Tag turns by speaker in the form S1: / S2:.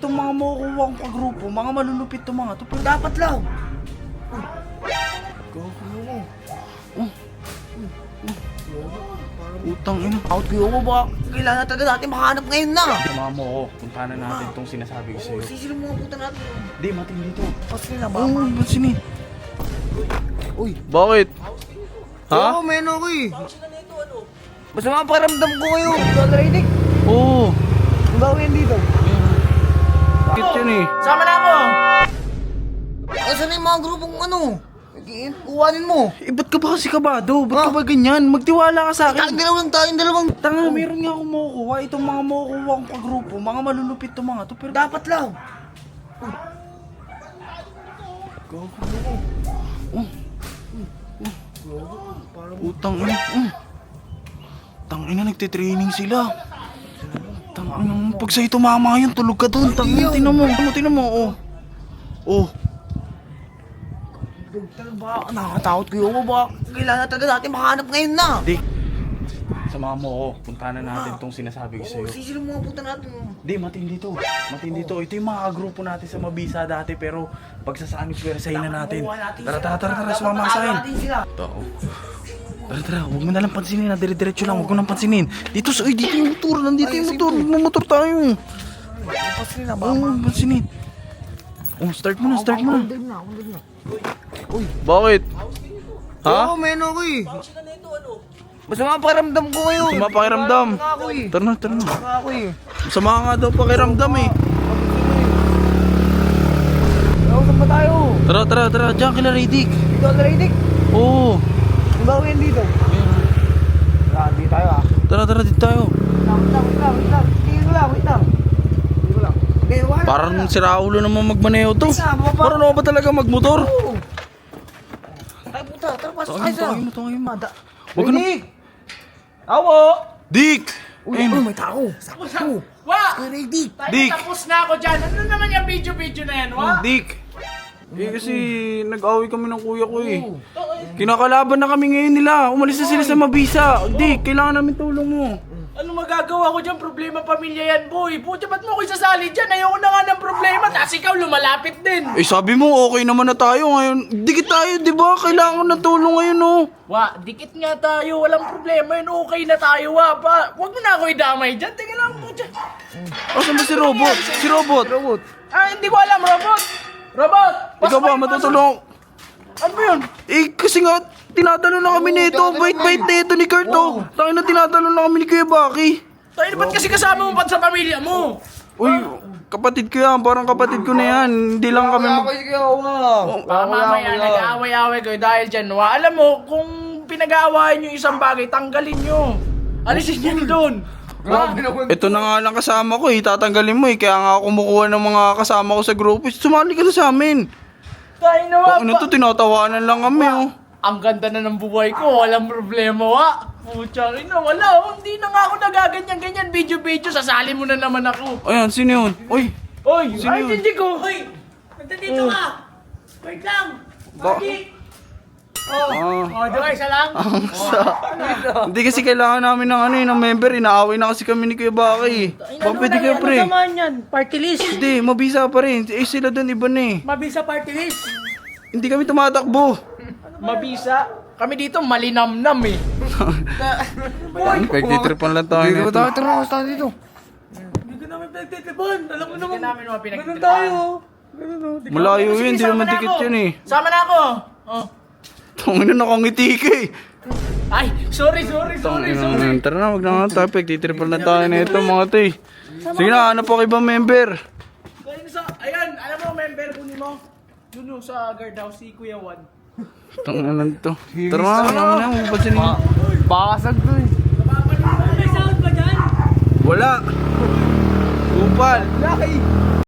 S1: itong mga makukuha kong kagrupo, mga malulupit to mga to, pero dapat lang. Utang ina.
S2: Out ko yung ba? Kailangan talaga natin makahanap ngayon na.
S1: Samahan mo ako, punta na natin itong sinasabi ko sa'yo.
S2: Sisilo mga puta natin.
S1: Di, matindi to.
S2: Pasli na ba?
S1: Oo, ba't sini?
S2: Uy.
S1: Bakit? Ha?
S2: Oo, men ako eh. Basta mga pakiramdam ko ngayon. Dollar
S1: Oo.
S2: Ang gawin dito.
S1: Bakit yun eh?
S3: Sama na ako!
S2: Asan na yung mga grupong ano? Kuhanin mo.
S1: Eh, ba't ka ba kasi kabado? Ba't ka ba ganyan? Magtiwala ka sa
S2: Tayong
S1: akin.
S2: tayong dalawang.
S1: Tanga, meron nga akong makukuha. Itong mga makukuha kong kagrupo, mga malulupit to mga to, pero dapat lang. Utang ina. Tangina, nagtitraining sila. Tangina, pag sa'yo tumama yun, tulog ka doon. Tangina, tinan mo, oh. Oh.
S2: Ba, nakakatakot ko yung ba? Kailangan talaga natin makahanap ngayon na.
S1: Di, samahan mo ako. Punta na natin itong sinasabi ko sa'yo.
S2: Sisilo mga puta natin.
S1: Di, matindi to. Matindi to. Ito yung mga grupo natin sa Mabisa dati, pero pagsasaanip pwersahin na natin. Tara, sumama ka sa akin.
S2: Natin sila.
S1: Tao. Tara, huwag mo nalang pansinin na. Dire-diretso lang, huwag mo nang pansinin. Dito yung motor. Nandito yung motor. Magmamotor tayo.
S2: Pasli na ba?
S1: Oo, pansinin. Oh, start mo na.
S2: Drive na.
S1: Bakit?
S2: Oo, men ako eh. Basta mga pakiramdam ko ngayon.
S1: Sama pakiramdam.
S2: Ako eh.
S1: Tara na.
S2: Ako eh.
S1: Sama nga daw pakiramdam eh.
S2: Saan ba tayo?
S1: Tara. Diyan kila Riddick.
S2: Dollar
S1: Oo.
S2: Ang gawin dito. Hindi tayo ah.
S1: Tara, dito tayo.
S2: Wait lang. Wait lang. Okay, wala.
S1: Parang siraulo naman magmaneho to. Parang ano ba talaga magmotor?
S2: Oo. Ay puta, tara pasok tayo sa.
S1: Tawagin mo.
S2: Huwag
S1: ka na.
S3: Awo!
S1: Dick!
S2: Uy, may tao. Sakto.
S3: Wa!
S2: Ready.
S1: Dick!
S3: Tapos na ako dyan. Ano naman yung video na yan, wa?
S1: Dick! Kasi nag-away kami ng kuya ko eh. Kinakalaban na kami ngayon nila. Umalis na sila sa Mabisa. Dick, kailangan namin tulong mo.
S3: Ano magagawa ko dyan? Problema pamilya yan, boy. Puta, ba't mo ko isasali dyan? Ayoko na nga ng problema. Tapos ikaw lumalapit din.
S1: Eh sabi mo okay naman na tayo ngayon. Dikit tayo, di ba? Kailangan ko ng tulong ngayon oh.
S3: Wa, dikit nga tayo. Walang problema yun. Okay na tayo, wa. Huwag mo na ako idamay dyan. Tingnan lang mo dyan.
S1: Asan ba si Robot? Si Robot!
S3: Ah, hindi ko alam, Robot. Robot!
S1: Ikaw ba matutulong?
S3: Ano ba yun?
S1: Eh, kasi nga, tinatalo na kami nito. Bait-bait na ito ni Kurt, oh. Tangin na tinatalo na kami ni Kuya Baki.
S3: Tayo, ba't kasi kasama mo pa sa pamilya mo?
S1: Uy, kapatid ko yan. Parang kapatid ko na yan. Hindi lang kami mag...
S3: Mamaya, nag-aaway-aaway kayo dahil dyan, wa. Alam mo, kung pinag-aawayan nyo isang bagay, tanggalin nyo. Alisin nyo doon.
S1: Ito na nga lang kasama ko eh. Tatanggalin mo eh. Kaya nga ako kumukuha ng mga kasama ko sa grupo. Sumali ka na sa amin.
S3: Tayo na, wa.
S1: Ano to, tinatawanan lang kami, oh.
S3: Ang ganda na ng buhay ko, walang problema, wa. Pucha, ina, wala. Oh. Hindi na nga ako nagaganyan-ganyan. Video-video, sasali mo na naman ako.
S1: Ayan, sino yun? Uy,
S3: Oy,
S1: Sino
S3: ay,
S1: yun?
S3: hindi ko. Hoy, nandito ka. Wait lang. Bakit? Diba, isa lang?
S1: hindi kasi kailangan namin ng ano eh, ng member. Inaaway na kasi kami ni Kuya Baki. Baka pwede kayo, pre.
S3: Ano naman yan? Party list.
S1: Hindi, Mabisa pa rin. Eh, sila doon iba na eh.
S3: Mabisa party list.
S1: Hindi kami tumatakbo.
S3: Mabisa. Kami dito malinamnam eh.
S1: Pagtitripan lang tayo nito.
S2: Tara, tayo dito.
S3: Hindi ka namin pinagtitipon. Alam mo naman. Hindi namin mga pinagtitipon.
S1: Malayo yun, hindi naman dikit yun eh.
S3: Sama na ako. Oh.
S1: Tangin na nakangiti ka eh.
S3: Ay, sorry.
S1: Tara na, wag na nga tayo. Pagtitripan lang tayo nito mga tay. Sige na, hanap ako ibang member.
S3: Ayan, alam mo, member kunin mo. Yun yung sa guardhouse si Kuya Juan.
S1: Tangin na to. Tara na, mapasin mo.
S2: Bakasag to eh.
S3: May sound ba dyan?
S1: Wala. Upal.
S2: Laki.